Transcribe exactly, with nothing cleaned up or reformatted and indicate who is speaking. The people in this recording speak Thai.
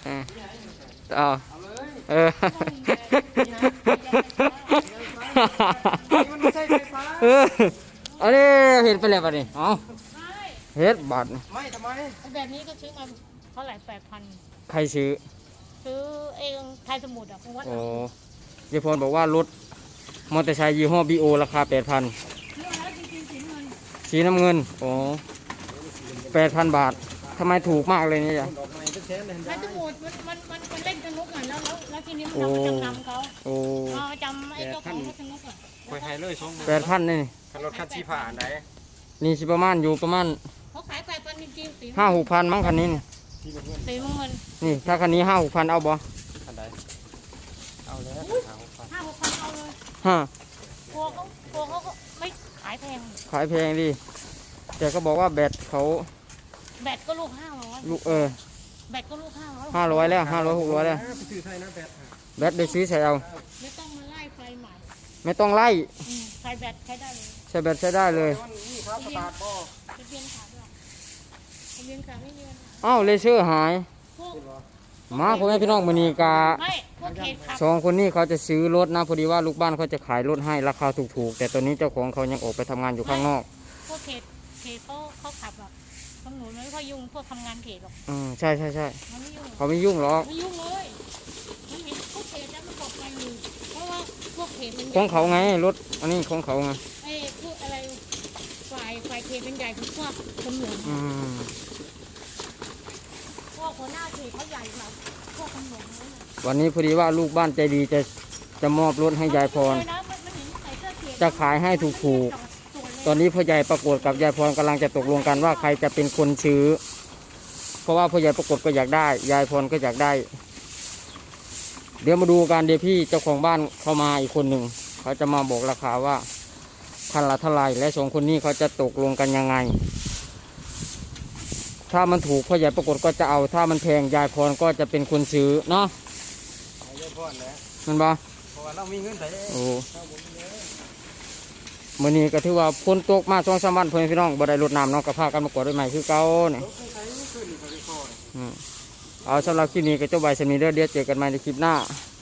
Speaker 1: เออเอาเออเอออันนี้เห็นไปแล้วป่ะนี่เอาเฮ็ดบาท
Speaker 2: ไม่ทำไม
Speaker 3: แบบนี้ก็ซื้อมาเท่าไหร่แปดพัน
Speaker 1: ใครซื้อ
Speaker 3: ซื้อเองไทยสมุทรอ่ะวัด
Speaker 1: โอ้ยายพรบอกว่ารถมอเตอร์ไซค์ยี่ห้อบีโอราคาแปดพันสีน้ำเงินโอ้แปดพันบาททำไมถูกมากเลยเนี่ยจ้ะ
Speaker 3: ไทยสมุทรมันมันมันเล่นสนุกอ่ะแล้วแล้วแล้วทีนี้มันทำจำนำเขา
Speaker 1: โอ้
Speaker 3: จำไอ้เจ้าของสนุกอ่ะ
Speaker 2: คอยไฮเลยสอง
Speaker 1: แปดพันนี่
Speaker 2: รถคันชีผ่านไหน
Speaker 1: นี่สิประมาณอยู่ประมาณ
Speaker 3: เขาขายแปดพันจริงๆสี
Speaker 1: ห้าหกพันมั้งคันนี้นี่
Speaker 3: สีเงิน
Speaker 1: นี่ถ้าคันนี้ห้าหกพันเอาบ่
Speaker 2: คันใดเอาแล้ว
Speaker 3: ห้าหกพันเอาเลย
Speaker 1: ฮะ
Speaker 3: กลัวเขากลัวเขาก็ไม่ขายแพง
Speaker 1: ขายแพงดิแต่ก็บอกว่าแบตเขา
Speaker 3: แบตก็ลูกห้าร้อย
Speaker 1: ลูกเออ
Speaker 3: แบตก็ลูกห้าร้อย
Speaker 1: ห้าร้อยแล้วห้าร้อยหกร้อยแล้วแบตได้ซื้อใส่เอา
Speaker 3: ไม่ต้องมาไล่ไฟใหม่
Speaker 1: ไม่ต้องไล่
Speaker 3: ใส่แบตใช้ได้เลย
Speaker 1: ใส่แบตใช้ได้เลยอ้าวเลเซอร์หายมาพ่อแม่พี่น้องมณีกาสองคนนี้เขาจะซื้อรถนะพอดีว่าลูกบ้านเขาจะขายรถให้ราคาถูกๆแต่ตอนนี้เจ้าของเขายังออกไปทำงานอยู่ข้างนอก
Speaker 3: พวกเขตเขตเขาเขาขับหรอกตำรวจไม่ค่อยยุ่งพวกทำงานเขตหรอก
Speaker 1: อืมใช่ใช่ใช่เขาไม่
Speaker 3: ยุ่
Speaker 1: งหรอก
Speaker 3: ไม่ยุ่งเลยมันเห็นพวกเขตแล้วมันบอกไปอยู่เพราะว่าพวกเขตมัน
Speaker 1: ของเขาไงรถอันนี้ของเขาไง
Speaker 3: ไอ้พวกอะไรฝ่ายฝ่ายเขตเป็นใหญ่พวกตำรวจ
Speaker 1: อืม
Speaker 3: พวกหัวหน้าเขตเขาใหญ่กว่าพวกตำรวจ
Speaker 1: วันนี้พอดีว่าลูกบ้านใจดีจะจะมอบรถให้ยายพรจะขายให้ถูกๆตอนนี้พ่อใหญ่ประกฏกับยายพรกำลังจะตกลงกันว่าใครจะเป็นคนซื้อเพราะว่าพ่อใหญ่ประกฏก็อยากได้ยายพรก็อยากได้เดี๋ยวมาดูกันเดี๋ยวพี่เจ้าของบ้านเข้ามาอีกคนหนึ่งเขาจะมาบอกราคาว่าคันละเท่าไรและสองคนนี้เขาจะตกลงกันยังไงถ้ามันถูกพ่อใหญ่ประกฏก็จะเอาถ้ามันแพงยายพรก็จะเป็นคนซื้อเนาะ
Speaker 2: ยายพรแล้ว
Speaker 1: มันบ่
Speaker 2: เพราะว่าเรามีเงินใส่
Speaker 1: โอ้มื่อนี้ก็ถือว่าพ้นตกมาช่วงสามวันเพื่อนพี่น้องบ่ได้รดน้ำน้องกระพากันมากวดด้วยใหม่คือเก่าเนี่ยเอาสำหรับคลิปนี้ก็จบไปสำนีเด้อเดี๋ยวเจอกันใหม่ในคลิปหน้า